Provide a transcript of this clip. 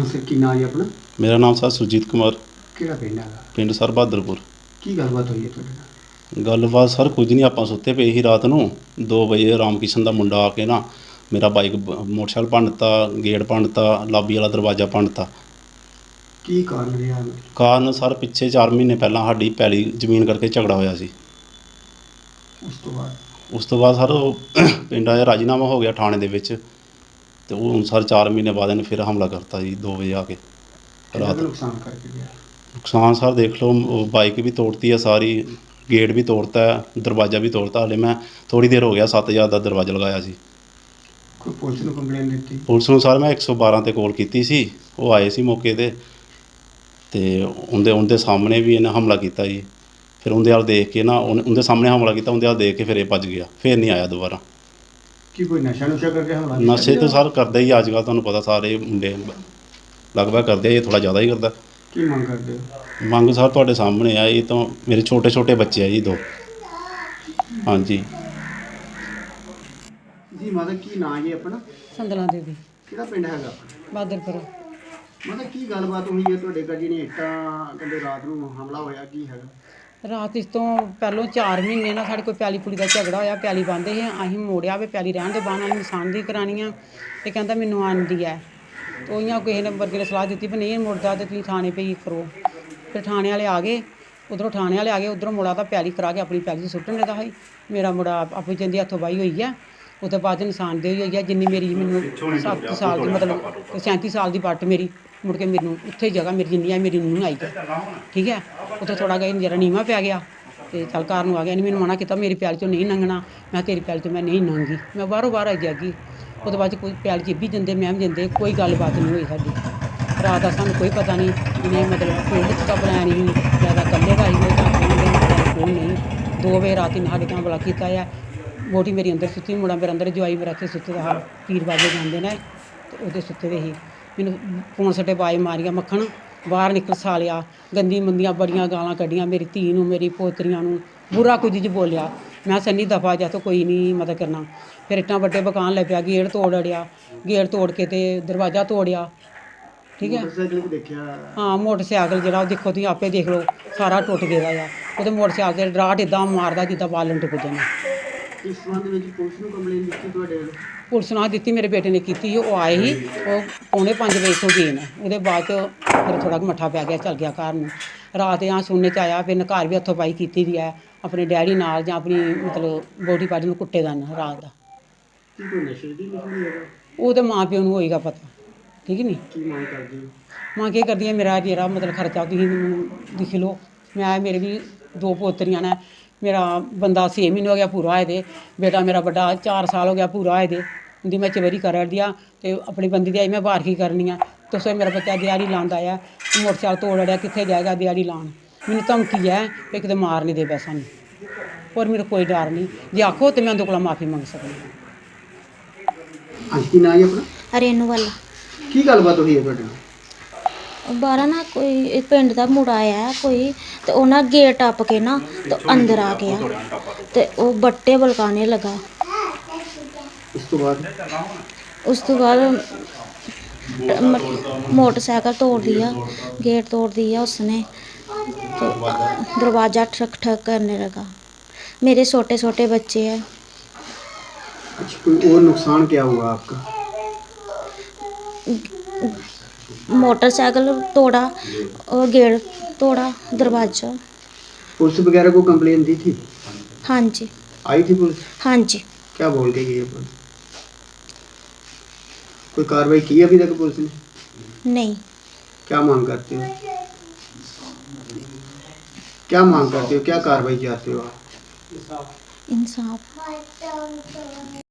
Sir ਕੀ ਨਾਂ ਹੈ ਆਪਣਾ? ਮੇਰਾ ਨਾਮ ਸਰ ਸੁਰਜੀਤ ਕੁਮਾਰ, ਕਿਹੜਾ ਪਿੰਡ ਹੈਗਾ? ਪਿੰਡ ਸਰ ਬਹਾਦਰਪੁਰ। ਕੀ ਗੱਲਬਾਤ ਹੋਈ ਹੈ ਤੁਹਾਡੇ ਨਾਲ? ਗੱਲਬਾਤ ਸਰ ਕੁਝ ਨਹੀਂ, ਆਪਾਂ ਸੁੱਤੇ ਪਏ ਸੀ ਰਾਤ ਨੂੰ 2 ਵਜੇ ਰਾਮ ਕਿਸ਼ਨ ਦਾ ਮੁੰਡਾ ਆ ਕੇ ਨਾ ਮੇਰਾ ਬਾਈਕ ਮੋਟਰਸਾਈਕਲ ਭੰਨਤਾ, ਗੇਟ ਭੰਨਤਾ, ਲਾਬੀ ਵਾਲਾ ਦਰਵਾਜ਼ਾ ਭੰਨਤਾ। ਕੀ ਕਾਰਨ ਰਿਹਾ? ਕਾਰਨ ਸਰ ਪਿੱਛੇ 4 ਮਹੀਨੇ ਪਹਿਲਾਂ ਸਾਡੀ ਪੈਲੀ ਜ਼ਮੀਨ ਕਰਕੇ ਝਗੜਾ ਹੋਇਆ ਸੀ। ਉਸ ਤੋਂ ਬਾਅਦ ਸਰ ਉਹ ਪਿੰਡਾਂ 'ਚ ਰਾਜੀਨਾਮਾ ਹੋ ਗਿਆ ਥਾਣੇ ਦੇ ਵਿੱਚ, ਅਤੇ ਉਹ ਹੁਣ ਸਰ 4 ਮਹੀਨੇ ਬਾਅਦ ਇਹਨੇ ਫਿਰ ਹਮਲਾ ਕਰਤਾ ਜੀ 2 ਵਜੇ ਆ ਕੇ ਰਾਤ। ਨੁਕਸਾਨ ਕਰਕੇ ਗਿਆ? ਨੁਕਸਾਨ ਸਰ ਦੇਖ ਲਓ, ਬਾਈਕ ਵੀ ਤੋੜਤੀ ਹੈ ਸਾਰੀ, ਗੇਟ ਵੀ ਤੋੜਤਾ ਹੈ, ਦਰਵਾਜ਼ਾ ਵੀ ਤੋੜਤਾ। ਹਾਲੇ ਮੈਂ ਥੋੜ੍ਹੀ ਦੇਰ ਹੋ ਗਿਆ 7000 ਦਾ ਦਰਵਾਜ਼ਾ ਲਗਾਇਆ ਸੀ। ਕੋਈ ਪੁਲਿਸ ਨੂੰ ਕੰਪਲੇਂਟ ਦਿੱਤੀ? ਪੁਲਿਸ ਨੂੰ ਸਰ ਮੈਂ 112 'ਤੇ ਕਾਲ ਕੀਤੀ ਸੀ, ਉਹ ਆਏ ਸੀ ਮੌਕੇ 'ਤੇ, ਅਤੇ ਉਹਦੇ ਸਾਹਮਣੇ ਵੀ ਇਹਨੇ ਹਮਲਾ ਕੀਤਾ ਜੀ। ਫਿਰ ਉਹਦੇ ਵੱਲ ਦੇਖ ਕੇ ਨਾ ਉਹਦੇ ਸਾਹਮਣੇ ਹਮਲਾ ਕੀਤਾ, ਉਹਦੇ ਵੱਲ ਦੇਖ ਕੇ ਫਿਰ ਇਹ ਭੱਜ ਗਿਆ, ਫਿਰ ਨਹੀਂ ਆਇਆ ਦੁਬਾਰਾ। ਕੀ ਕੋਈ ਨਸ਼ਾ ਕਰਕੇ ਹਮਲਾ? ਨਸ਼ੇ ਤਾਂ ਸਰ ਕਰਦਾ ਹੀ ਅੱਜ ਕੱਲ੍ਹ, ਤੁਹਾਨੂੰ ਪਤਾ ਸਾਰੇ ਮੁੰਡੇ ਲਗਭਗ ਕਰਦੇ ਆ, ਇਹ ਥੋੜ੍ਹਾ ਜ਼ਿਆਦਾ ਹੀ ਕਰਦਾ। ਕੀ ਮੰਗ ਕਰਦੇ ਹੋ? ਮੰਗ ਸਰ ਤੁਹਾਡੇ ਸਾਹਮਣੇ ਆ, ਇਹ ਤਾਂ ਮੇਰੇ ਛੋਟੇ ਬੱਚੇ ਆ ਜੀ 2। ਹਾਂਜੀ ਜੀ ਮਾਤਾ ਕੀ ਨਾਂ ਜੀ ਆਪਣਾ? ਸੰਦਲਾ ਦੇਵੀ, ਕਿਹੜਾ ਪਿੰਡ ਹੈਗਾ? ਬਹਾਦਰਪੁਰ। ਮਾਤਾ ਕੀ ਗੱਲਬਾਤ ਹੋਈ ਹੈ ਤੁਹਾਡੇ ਘਰ? ਜਿਹੜੀਆਂ ਇੱਟਾਂ ਕਹਿੰਦੇ ਰਾਤ ਨੂੰ ਹਮਲਾ ਹੋਇਆ, ਕੀ ਹੈਗਾ? ਰਾਤ ਇਸ ਤੋਂ ਪਹਿਲੋਂ 4 ਮਹੀਨੇ ਨਾਲ ਸਾਡੇ ਕੋਈ ਪੈਲੀ ਪੁਲੀ ਦਾ ਝਗੜਾ ਹੋਇਆ। ਪੈਲੀ ਬੰਦੇ ਸੀ, ਅਸੀਂ ਮੋੜਿਆ ਵੀ ਪੈਲੀ ਰਹਿਣ ਦੇ ਬਾਅਦ ਨਿਸ਼ਾਨ ਦੀ ਕਰਾਉਣੀ ਆ, ਅਤੇ ਕਹਿੰਦਾ ਮੈਨੂੰ ਆਉਂਦੀ ਹੈ। ਉਹੀਆਂ ਕਿਸੇ ਨੇ ਵਰਗੇ ਨੇ ਸਲਾਹ ਦਿੱਤੀ ਵੀ ਨਹੀਂ ਮੁੜਦਾ ਤਾਂ ਤੁਸੀਂ ਥਾਣੇ ਪਈ ਕਰੋ। ਫਿਰ ਥਾਣੇ ਵਾਲੇ ਆ ਗਏ, ਉੱਧਰੋਂ ਮੁੜਾ ਤਾਂ ਪੈਲੀ ਕਰਾ ਕੇ ਆਪਣੀ ਪੈਲੀ 'ਚ ਸੁੱਟਣ ਦੇਦਾ ਸੀ। ਮੇਰਾ ਮੁੰਡਾ ਆਪਣੀ ਜਿੰਦੀ ਹੱਥੋਂ ਬਾਈ ਹੋਈ ਹੈ, ਉਹ ਤੋਂ ਬਾਅਦ ਨਿਸ਼ਾਨਦੇਹੀ ਹੋਈ ਹੈ। ਜਿੰਨੀ ਮੇਰੀ ਮੈਨੂੰ 7 ਸਾਲ ਦੀ ਮਤਲਬ 37 ਸਾਲ ਦੀ ਪੱਟ ਮੇਰੀ ਮੁੜ ਕੇ ਮੈਨੂੰ ਉੱਥੇ ਜਗ੍ਹਾ ਮੇਰੀ ਜਿੰਨੀ ਆ ਮੇਰੀ ਨੂੰਹ ਆਈ ਹੈ, ਠੀਕ ਹੈ। ਉੱਥੇ ਥੋੜ੍ਹਾ ਜਿਹਾ ਜਰਾ ਨੀਵਾਂ ਪੈ ਗਿਆ, ਅਤੇ ਚੱਲ ਘਰ ਨੂੰ ਆ ਗਿਆ। ਇਹਨੇ ਮੈਨੂੰ ਮਨਾ ਕੀਤਾ ਮੇਰੀ ਪੈਲੀ 'ਚੋਂ ਨਹੀਂ ਲੰਘਣਾ। ਮੈਂ ਤੇਰੀ ਪੈਲੀ 'ਚੋਂ ਮੈਂ ਨਹੀਂ ਲੰਘੀ, ਮੈਂ ਬਾਹਰੋਂ ਆਈ ਜਾਗੀ। ਉਹਦੇ ਬਾਅਦ 'ਚ ਕੋਈ ਪੈਲੀ 'ਚ ਵੀ ਦਿੰਦੇ, ਮੈਂ ਵੀ ਦਿੰਦੇ, ਕੋਈ ਗੱਲਬਾਤ ਨਹੀਂ ਹੋਈ ਸਾਡੀ। ਰਾਤ ਦਾ ਸਾਨੂੰ ਕੋਈ ਪਤਾ ਨਹੀਂ, ਇਹਨੇ ਮਤਲਬ ਪਿੰਡ 'ਚ ਤਾਂ ਬਣਾਇਆ ਨਹੀਂ, ਜ਼ਿਆਦਾ ਇਕੱਲੇ ਦਾ ਹੀ ਕੋਈ ਨਹੀਂ। 2 ਵਜੇ ਰਾਤ ਨੂੰ ਸਾਡੇ ਹਮਲਾ ਕੀਤਾ ਹੈ। ਵੋਟੀ ਮੇਰੀ ਅੰਦਰ ਸੁੱਤੀ, ਮੁੰਡਾ ਮੇਰਾ ਅੰਦਰ, ਜਵਾਈ ਮੇਰਾ ਇੱਥੇ ਸੁੱਤੇ ਦਾ ਪੀਰ ਬਾਬੇ ਜਾਂਦੇ ਨੇ, ਅਤੇ ਉਹਦੇ ਸੁੱਤੇ ਦੇ ਹੀ ਮੈਨੂੰ ਫੋਨ ਸੱਟੇ ਬਾਜ਼ ਮਾਰੀਆਂ, ਮੱਖਣ ਬਾਹਰ ਨਿਕਲ ਸਾਲਿਆ, ਗੰਦੀ ਮੰਦੀਆਂ ਬੜੀਆਂ ਗਾਲਾਂ ਕੱਢੀਆਂ ਮੇਰੀ ਧੀ ਨੂੰ, ਮੇਰੀ ਪੋਤਰੀਆਂ ਨੂੰ, ਬੁਰਾ ਕੁਝ ਬੋਲਿਆ। ਮੈਂ ਸੰਨੀ ਦਫਾ ਜਾ ਤਾਂ ਕੋਈ ਨਹੀਂ ਮਦਦ ਕਰਨਾ। ਫਿਰ ਇੱਟਾਂ ਵੱਡੇ ਬਕਾਨ ਲੈ ਪਿਆ, ਗੇਟ ਤੋੜ ਅੜਿਆ, ਗੇਟ ਤੋੜ ਕੇ ਅਤੇ ਦਰਵਾਜ਼ਾ ਤੋੜਿਆ, ਠੀਕ ਹੈ। ਹਾਂ ਮੋਟਰਸਾਈਕਲ ਜਿਹੜਾ ਉਹ ਦੇਖੋ ਤੁਸੀਂ ਆਪੇ ਦੇਖ ਲਓ, ਸਾਰਾ ਟੁੱਟ ਗਿਆ ਆ। ਉਹਦੇ ਮੋਟਰਸਾਈਕਲ 'ਤੇ ਡਰਾਟ ਇੱਦਾਂ ਮਾਰਦਾ ਜਿੱਦਾਂ ਬਾਲਣ ਟੁੱਟ ਜਾਣਾ। ਇਸ ਸੰਬੰਧ ਵਿੱਚ ਪੁਲਿਸ ਨੂੰ ਕੰਪਲੇਂਟ ਦਿੱਤੀ ਤੁਹਾਡੇ? ਪੁਲਿਸ ਨਾਲ ਦਿੱਤੀ, ਮੇਰੇ ਬੇਟੇ ਨੇ ਕੀਤੀ ਸੀ। ਉਹ ਆਏ ਸੀ, ਉਹ 4:45 ਵਜੇ ਤੋਂ ਗਏ ਨੇ। ਉਹਦੇ ਬਾਅਦ 'ਚ ਫਿਰ ਥੋੜ੍ਹਾ ਮੱਠਾ ਪੈ ਗਿਆ, ਚੱਲ ਗਿਆ ਘਰ ਨੂੰ। ਰਾਤ ਸੁਣਨੇ 'ਚ ਆਇਆ ਫਿਰ ਘਰ ਵੀ ਹੱਥੋਂ ਪਾਈ ਕੀਤੀ ਦੀ ਹੈ, ਆਪਣੇ ਡੈਡੀ ਨਾਲ ਜਾਂ ਆਪਣੀ ਮਤਲਬ ਬੋਡੀ ਪਾਰਟੀ ਨੂੰ ਕੁੱਟੇ ਦਾ ਨਾ ਰਾਤ ਦਾ। ਕੋਈ ਨਸ਼ੇ ਦੀ ਉਹ ਤਾਂ ਮਾਂ ਪਿਓ ਨੂੰ ਹੋਏਗਾ ਪਤਾ, ਠੀਕ ਨਹੀਂ। ਕੀ ਮੰਗ ਕਰਦੀ ਹੋ? ਮਾਂ ਕੀ ਕਰਦੀ ਹੈ, ਮੇਰਾ ਜਿਹੜਾ ਮਤਲਬ ਖਰਚਾ ਤੁਸੀਂ ਮੈਨੂੰ ਲਿਖ ਲਓ। ਮੇਰੇ ਵੀ 2 ਪੋਤਰੀਆਂ ਨੇ, ਮੇਰਾ ਬੰਦਾ 6 ਮਹੀਨੇ ਹੋ ਗਿਆ ਪੂਰਾ ਹੋਏ ਦੇ, ਬੇਟਾ ਮੇਰਾ ਵੱਡਾ 4 ਸਾਲ ਹੋ ਗਿਆ ਪੂਰਾ ਹੋਏ ਦੇ। ਉਹਦੀ ਮੈਂ ਚਵਰੀ ਕਰ ਦਿਆ, ਅਤੇ ਆਪਣੀ ਬੰਦੀ ਦੀ ਆਈ ਮੈਂ ਬਾਹਰ ਕੀ ਕਰਨੀ ਆ। ਤੁਸੀਂ ਮੇਰਾ ਬੱਚਾ ਦਿਹਾੜੀ ਲਾਉਣ ਆਇਆ, ਮੋਟਰਸਾਈਕਲ ਤੋੜ ਅੜਿਆ, ਕਿੱਥੇ ਜਾਏਗਾ ਦਿਹਾੜੀ ਲਾਉਣ। ਮੈਨੂੰ ਧਮਕੀ ਹੈ ਕਿ ਕਿਤੇ ਮਾਰ ਨਹੀਂ ਦੇ ਪੈ ਸਾਨੂੰ, ਹੋਰ ਮੈਨੂੰ ਕੋਈ ਡਰ ਨਹੀਂ। ਜੇ ਆਖੋ ਤਾਂ ਮੈਂ ਉਹਦੇ ਕੋਲ ਮਾਫੀ ਮੰਗ ਸਕਦੀ ਹਾਂ। ਅੱਜ ਕੀ ਨਾਂ ਹੈ ਆਪਣਾ? ਰੇਨੂ ਵਾਲਾ। ਕੀ ਗੱਲਬਾਤ ਹੋਈ ਹੈ ਤੁਹਾਡੇ ਨਾਲ? ਬਾਹਰ ਨਾ ਕੋਈ ਪਿੰਡ ਦਾ ਮੁੰਡਾ ਆਇਆ ਕੋਈ, ਤੇ ਉਹਨਾਂ ਗੇਟ ਟੱਪ ਕੇ ਨਾ ਤੇ ਅੰਦਰ ਆ ਗਿਆ, ਤੇ ਉਹ ਬੱਟੇ ਬਲਕਾਣੇ ਲਗਾ। ਉਸ ਤੋਂ ਬਾਅਦ मोटरसाइकिल तोड़ दिया, गेट तोड़ दिया उसने, तो दरवाज़ा ठक ठक करने लगा। मेरे छोटे छोटे बच्चे हैं। अच्छा, कोई और नुकसान क्या हुआ आपका? मोटरसाइकिल तोड़ा और गेट तोड़ा, दरवाज़ा। पुलिस वगैरह को कंप्लेन दी थी? हाँ जी। आई थी पुलिस? हाँ जी। क्या बोल के गई है पुलिस? कोई कार्रवाई की अभी तक पुलिस ने? नहीं। क्या मांग करते हो? क्या मांग करते हो, क्या कार्रवाई चाहते हो आप? इंसाफ।